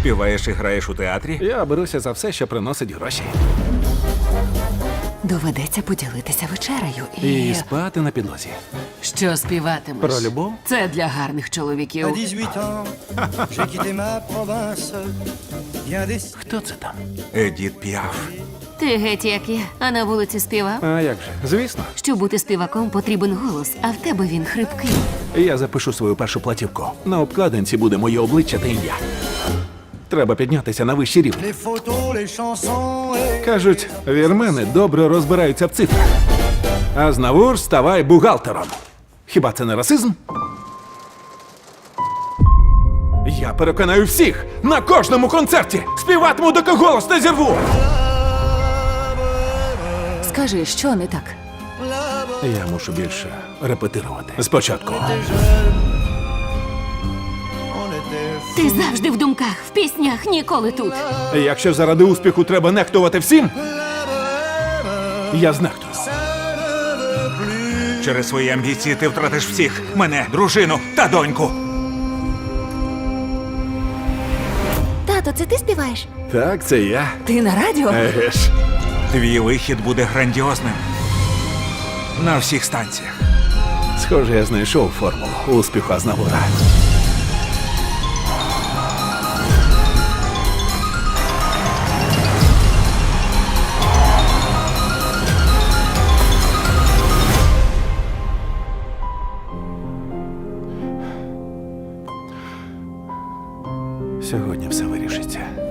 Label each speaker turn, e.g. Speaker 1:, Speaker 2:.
Speaker 1: Співаєш і граєш у театрі?
Speaker 2: Я беруся за все, що приносить гроші.
Speaker 3: Доведеться поділитися вечерею
Speaker 2: І спати на підлозі.
Speaker 3: Що співатимеш?
Speaker 2: Про любов?
Speaker 3: Це для гарних
Speaker 4: À
Speaker 3: чоловіків.
Speaker 4: 18 ans, j'ai quitté ma province. Bien des...
Speaker 2: Хто це там?
Speaker 1: Едіт Піаф.
Speaker 5: Ти геть як я, а на вулиці співав.
Speaker 2: А як же? Звісно.
Speaker 5: Щоб бути співаком, потрібен голос, а в тебе він хрипкий.
Speaker 2: Я запишу свою першу платівку. На обкладинці буде моє обличчя та ім'я. Треба піднятися на вищий рівень.
Speaker 4: Les photos, les chansons et...
Speaker 2: Кажуть, вірмени добре розбираються в цифрах. А знавур ставай бухгалтером. Хіба це не расизм? Я переконаю всіх на кожному концерті. Співатиму, доки голос не зірву.
Speaker 3: Скажи, що не так?
Speaker 2: Я мушу більше репетирувати. Спочатку.
Speaker 4: On était...
Speaker 5: Ти завжди в думках, в піснях, ніколи тут.
Speaker 2: Якщо заради успіху треба нехтувати всім, я знехтую.
Speaker 1: Через свої амбіції ти втратиш всіх. Мене, дружину та доньку.
Speaker 5: Тато, це ти співаєш?
Speaker 2: Так, це я.
Speaker 3: Ти на радіо?
Speaker 2: Еге ж.
Speaker 1: Твій вихід буде грандіозним. На всіх станціях.
Speaker 2: Схоже, я знайшов формулу успіху Азнавура. Сьогодні все вирішиться.